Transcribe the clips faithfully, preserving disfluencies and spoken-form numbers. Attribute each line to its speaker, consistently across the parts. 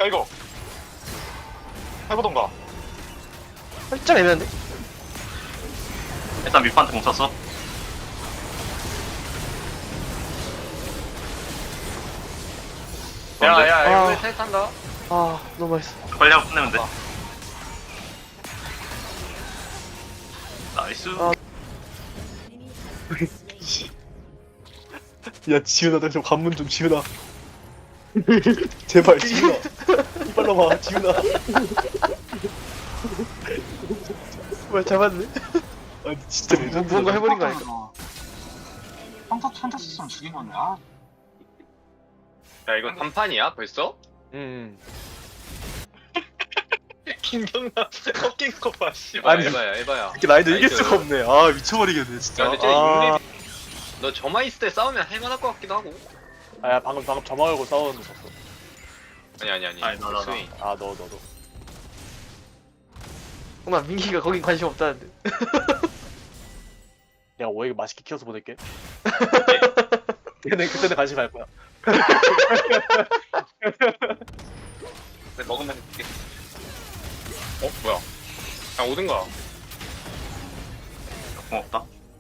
Speaker 1: 야 이거 해보던가.
Speaker 2: 살짝 애매한데?
Speaker 3: 일단 밑판트 공 썼어.
Speaker 1: 야야
Speaker 2: 아.
Speaker 1: 이거 텔 탄다.
Speaker 2: 아 너무 맛있어.
Speaker 3: 빨리 하고 끝내면 돼.
Speaker 1: 아.
Speaker 3: 나이스.
Speaker 2: 아. 야 지훈아 너 좀 관문 좀 지훈아. 제발 지훈아. 이빨 넘어 지훈아. 정말 잡았네. 아 진짜 뭐, 뭔가 해버린 거 아닐까?
Speaker 4: 평타 평타 쓰면 죽인 건데. 아,
Speaker 1: 야 이거 단판이야 벌써?
Speaker 2: 응.
Speaker 1: 김경남 꺾인 거 봐. 씨발.
Speaker 2: 아니.
Speaker 1: 에바야 에바야.
Speaker 2: 이렇게 라인도 이길
Speaker 1: 나이스.
Speaker 2: 수가 없네. 아 미쳐버리겠네 진짜.
Speaker 1: 야 근데 쟤
Speaker 2: 아.
Speaker 1: 육렙. 너 저만 있을 때 싸우면 할만할 것 같기도 하고.
Speaker 2: 아야 방금 방금 점화 걸고 싸우는 거 봤어.
Speaker 1: 아니 아니 아니.
Speaker 3: 아니, 나, 나, 나.
Speaker 1: 스윙.
Speaker 2: 아 너 너도. 엄마 민기가 거긴 관심 없다는데. 내가 오에게 맛있게 키워서 보낼게. 그때는 그때는 관심 갈 거야.
Speaker 1: 네, 먹으면 될게. 어 뭐야? 야 오든가.
Speaker 3: 고맙다.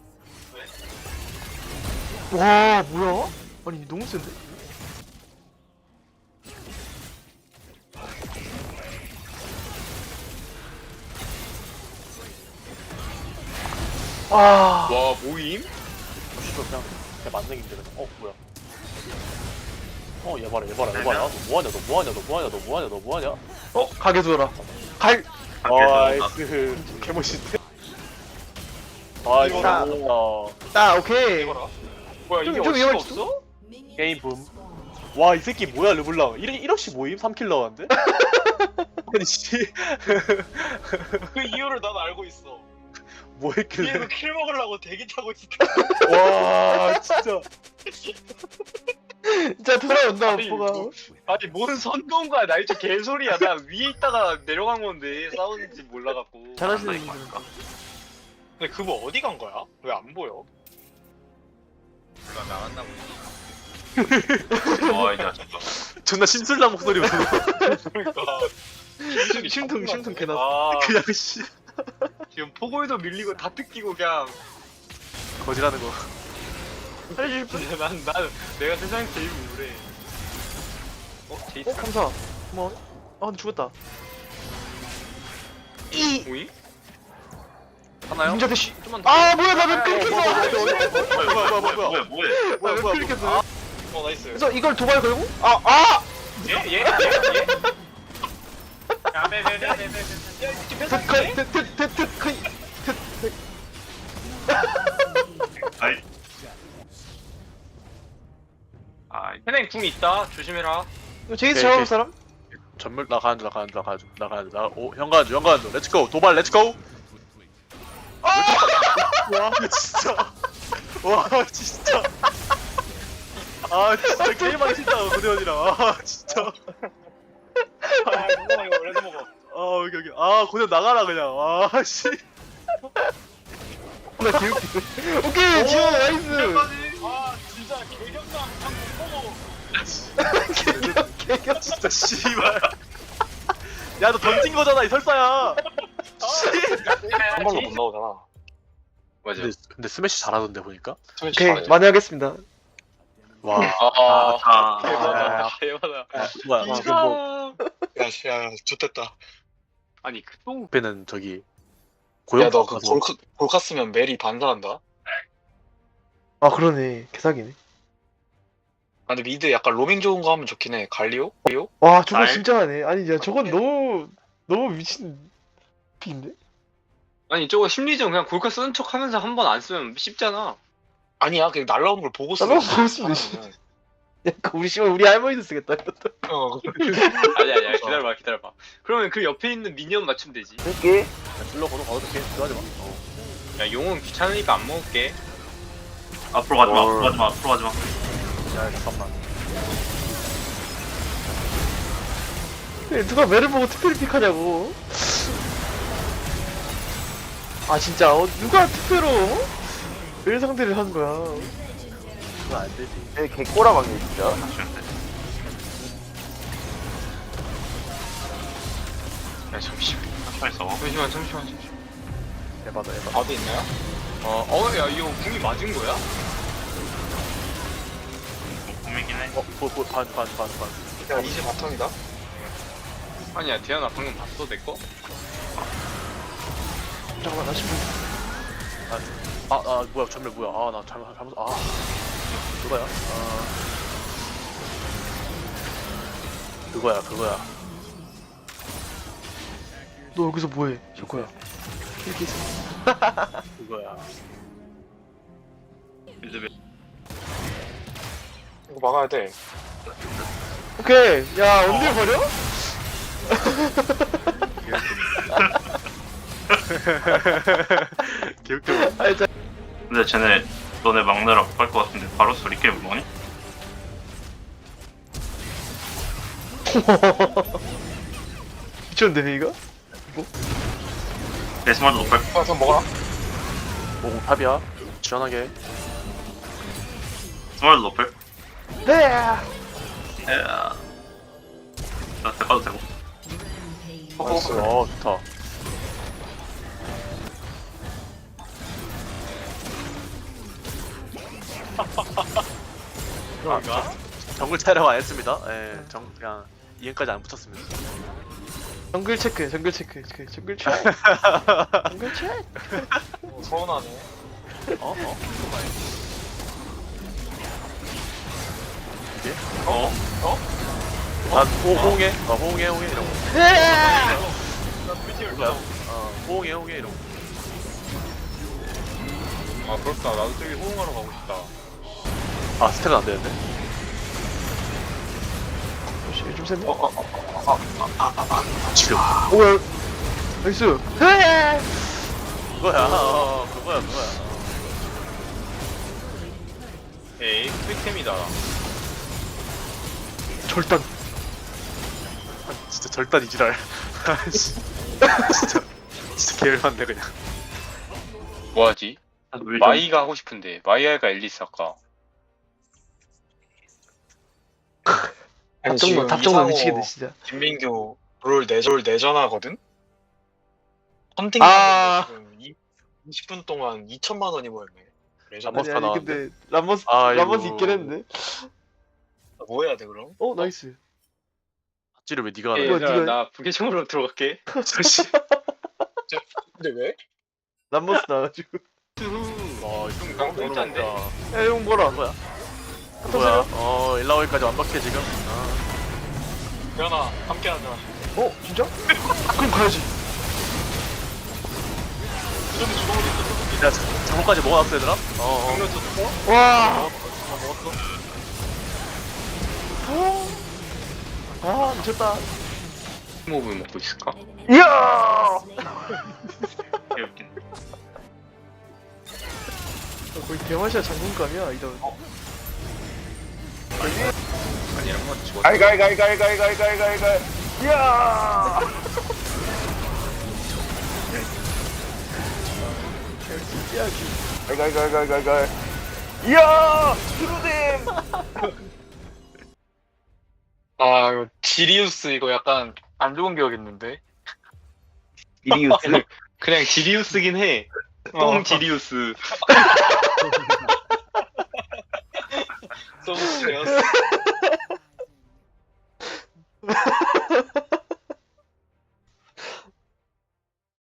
Speaker 2: 와 뭐야? 아니 너무 센데? 아.
Speaker 1: 와 모임?
Speaker 2: 씨발 그냥 그냥 만나기 힘들어. 어 뭐야? 어얘 봐라 얘 봐라 얘 봐라. 너 뭐하냐 너 뭐하냐 너 뭐하냐 너 뭐하냐 너 뭐하냐? 어 가게 두어라. 갈. 나이스 개멋있대. 아
Speaker 1: 이거라.
Speaker 2: 진짜. 아 오케이.
Speaker 1: 이거라. 뭐야 이게
Speaker 2: 좀- 좀
Speaker 1: 어디가
Speaker 2: 위험할지도?
Speaker 1: 없어?
Speaker 2: 게임 붐. 와 이 새끼 뭐야 르블랑 일, 일억씩 모임? 삼 킬 나왔는데? 아니 씨
Speaker 1: 그 이유를 난 알고 있어.
Speaker 2: 뭐 했길래
Speaker 1: 뒤에서 킬 먹으려고 대기 타고 있어.
Speaker 2: 와 진짜 진짜 돌아온다
Speaker 1: 아니,
Speaker 2: 오빠가.
Speaker 1: 뭐- 아니 뭔 선동과 나 이제 개소리야. 나 위에 있다가 내려간 건데 싸우는지 몰라갖고.
Speaker 2: 잘하시는
Speaker 3: 이거
Speaker 2: 분들.
Speaker 3: 할까?
Speaker 1: 근데 그거 어디 간 거야? 왜 안 보여? 나 나갔나 보지.
Speaker 3: 와, 이 자식아.
Speaker 2: 존나 심술난 목소리 로
Speaker 1: 그러니까
Speaker 2: 심통 심통 개나.
Speaker 1: 아
Speaker 2: 그냥 씨
Speaker 1: 지금 포고에도 밀리고 다 뜯기고 그냥.
Speaker 2: 거지라는 거. 살려주실 분?
Speaker 1: 진짜 난, 난 내가 세상에 제일 우울해. 어? 제이스?
Speaker 2: 어 감사. 고마워. 아 근데 죽었다. 이
Speaker 1: 오이?
Speaker 2: 하나요?
Speaker 1: ninja 대시 좀만 더.
Speaker 2: 아 뭐야 나왜 끊겼어?
Speaker 3: 뭐야, 뭐야, 뭐야, 뭐야, 뭐야.
Speaker 2: 뭐야 왜 끊겼어?
Speaker 1: 어 나이스.
Speaker 2: 그래서 이걸 도발 걸고? 아 아!
Speaker 1: 얘? 얘? 얘? 얘? 야, 네, 네, 네, 네, 네, 네. 야, 이렇게 뺏어.
Speaker 2: 트트트트트
Speaker 3: 아이. 아이.
Speaker 1: 현행 궁 있다. 조심해라.
Speaker 2: 이거 제이스
Speaker 5: 오케이,
Speaker 2: 잡아볼
Speaker 5: 오케이.
Speaker 2: 사람?
Speaker 5: 전멸 나 가는 중, 나 가는 중, 나 가는 중, 나 가는 중. 나, 오, 형 가는 중, 형 가는 중. 렛츠고, 도발, 렛츠고.
Speaker 2: 와 진짜 와 진짜 아 진짜 게임하기 싫다 고대원이랑 아 진짜
Speaker 1: 아, 이거 이거 원래도 먹어.
Speaker 2: 아 여기 여기 아 고대원 나가라 그냥 아씨 나 개웃기네 오케이 지원 나이스
Speaker 1: 아, 진짜 개경감 한번 보고.
Speaker 2: 개겨 개겨 진짜 씨발 야 너 던진 거잖아 이 설사야
Speaker 1: 한
Speaker 4: 번도 못 나오잖아.
Speaker 1: 맞아.
Speaker 5: 근데, 근데 스매시 잘하던데 보니까.
Speaker 2: 오케이 많이 하겠습니다
Speaker 5: 와,
Speaker 1: 아,
Speaker 3: 아,
Speaker 1: 대박이다. 대박이다.
Speaker 5: 아, 뭐야 지금 뭐
Speaker 4: 야, 씨, 야, 좋됐다.
Speaker 1: 아니 그똥
Speaker 5: 앞에는 저기 고용
Speaker 4: 야, 너 그
Speaker 5: 가서
Speaker 4: 골카, 골카 쓰면 메리 반사한다?
Speaker 2: 아 그러네 개사기네
Speaker 4: 아, 근데 미드 약간 로밍 좋은 거 하면 좋긴 해. 갈리오? 갈리오?
Speaker 2: 와 저거
Speaker 3: 날-
Speaker 2: 진짜 하네 아니 야 저건 너무 너무 미친 픽인데?
Speaker 1: 아니 저거 심리전 그냥 골카 쓰는 척 하면서 한 번 안 쓰면 쉽잖아.
Speaker 4: 아니야, 그냥 날라오는 걸 보고 쓰.
Speaker 2: 날라오는 걸 보고 쓰면 되지. 야, 그 우리 씨발 우리 할머니도 쓰겠다 이것도
Speaker 4: 어,
Speaker 1: 아니 아니야 기다려봐 기다려봐. 그러면 그 옆에 있는 미니언 맞추면 되지.
Speaker 2: 할게
Speaker 5: 슬로 거도 가도 될게. 들어가지 마. 어.
Speaker 1: 야 용은 귀찮으니까 안 먹을게.
Speaker 3: 앞으로 가지 마, 앞으로 가지 마, 앞으로 가지 마.
Speaker 5: 야, 잠깐만.
Speaker 2: 누가 매를 보고 특별히 픽하냐고 아 진짜 어, 누가 특별로 매 상대를 한 거야
Speaker 5: 그건 안 되지.
Speaker 2: 애 개꼬라박네 진짜
Speaker 3: 쉬면 돼.
Speaker 1: 야 잠시만
Speaker 3: 천천히 써.
Speaker 1: 잠시만 잠시만 잠시만
Speaker 2: 에바다 에바.
Speaker 4: 바드 있나요?
Speaker 1: 어, 어, 야, 이거 궁이 맞은 거야?
Speaker 3: 꿈이긴 해.
Speaker 2: 어, 어뭐반반반반
Speaker 4: 야 이제 바텀이다.
Speaker 1: 아니야, 대현아 방금 봤어, 내 거?
Speaker 2: 잠깐만 나 지금 아, 아 뭐야 전멸 뭐야 아 나 잘못 잘못 아 그거야 아 그거야 그거야 너 여기서 뭐해 저거야 이렇게 있어 그거야
Speaker 3: 이제 몇-
Speaker 4: 이거 막아야 돼.
Speaker 2: 오케이 야 언제 버려? 기억도 아니 자
Speaker 3: 근데 쟤네 너네 막내라고 할 것 같은데 바로 소리 게임 뭐니?
Speaker 2: 미쳤는데 이거?
Speaker 3: 데스말도 높을
Speaker 4: 아, 그럼 먹어라.
Speaker 2: 오 탑이야 시원하게
Speaker 3: 스말도 높을
Speaker 2: 네
Speaker 3: 에야 나 대가도 되고
Speaker 4: 나이스.
Speaker 2: 어 좋다
Speaker 1: 그런가?
Speaker 2: 정글 촬영 안 했습니다. 예, 정 그냥 이행까지 안 붙였습니다. 정글 체크, 정글 체크, 그 정글 체크, 정글 체크.
Speaker 4: 어, 서운하네.
Speaker 2: 어, 어, 이게?
Speaker 3: 어?
Speaker 2: 아, 호 호응해, 어, 호응해, 호응해 이런 거. 뭐야? 어, 호응해, 호응해 이런 거.
Speaker 1: 아, 그렇다. 나도 저기 호응하러 가고 싶다.
Speaker 2: 아, 스택은 안 되는데. 좀 셌네.
Speaker 4: 어, 어, 어, 어, 어.
Speaker 2: 지금. 오야, 나이스. 그거야, 어, 그거야, 그거야.
Speaker 1: 에이, 스펙템이다.
Speaker 2: 절단. 아, 진짜 절단 이지랄. 진짜, 진짜 개열받네 그냥.
Speaker 1: 뭐하지?
Speaker 3: 왜
Speaker 1: 마이가 하고 싶은데. 마이 할까, 앨리스 할까?
Speaker 4: 아니,
Speaker 2: 탑정모,
Speaker 4: 지금
Speaker 2: 탑정모
Speaker 4: 이상호,
Speaker 2: 미치겠네 진짜.
Speaker 4: 김민규 롤 내절 내전하거든? 헌팅
Speaker 2: 아.
Speaker 4: 지금 이십 분 동안 이천만 원이 모였네. 레전드.
Speaker 2: 람머스
Speaker 6: 아니, 아니
Speaker 2: 나왔는데.
Speaker 6: 근데 람머스
Speaker 2: 아이고.
Speaker 6: 람머스 있긴 했는데.
Speaker 4: 뭐 해야 돼 그럼?
Speaker 6: 어 나이스.
Speaker 2: 찌를 왜 네가
Speaker 1: 에이,
Speaker 2: 하는
Speaker 6: 이거
Speaker 1: 얘들아,
Speaker 6: 네가-
Speaker 1: 나 부계정으로 들어갈게.
Speaker 4: 근데 왜?
Speaker 6: 람머스 나와가지고.
Speaker 2: 와,
Speaker 1: 좀 강불짠데.
Speaker 6: 야형 뭐라?
Speaker 2: 뭐야? 뭐야? 어, 일라오이까지 완벽해 지금. 아,
Speaker 4: 현아 함께 하자.
Speaker 6: 어 진짜? 그럼 가야지.
Speaker 4: 그전에 주방으로 있었어.
Speaker 2: 야, 장모까지 먹어놨어 얘들아? 어, 어.
Speaker 1: 장면 줬어?
Speaker 6: 와.
Speaker 2: 먹었어.
Speaker 6: 아 미쳤다.
Speaker 1: 모브 먹고 있을까?
Speaker 6: 이야.
Speaker 3: 개웃긴.
Speaker 6: 거의 대마시아 장군감이야 이런.
Speaker 1: 아니, 이런 건 죽었어.
Speaker 6: 가이가이가이가이가이가이가이가이. 이야. 진지하게. 가이가이가이가이가이. 이야. 트루뎀.
Speaker 4: 아 이거 지리우스 이거 약간 안 좋은 기억 있는데.
Speaker 1: 지리우스? 그냥 지리우스긴 해. 똥 지리우스.
Speaker 4: 너무 지리우스.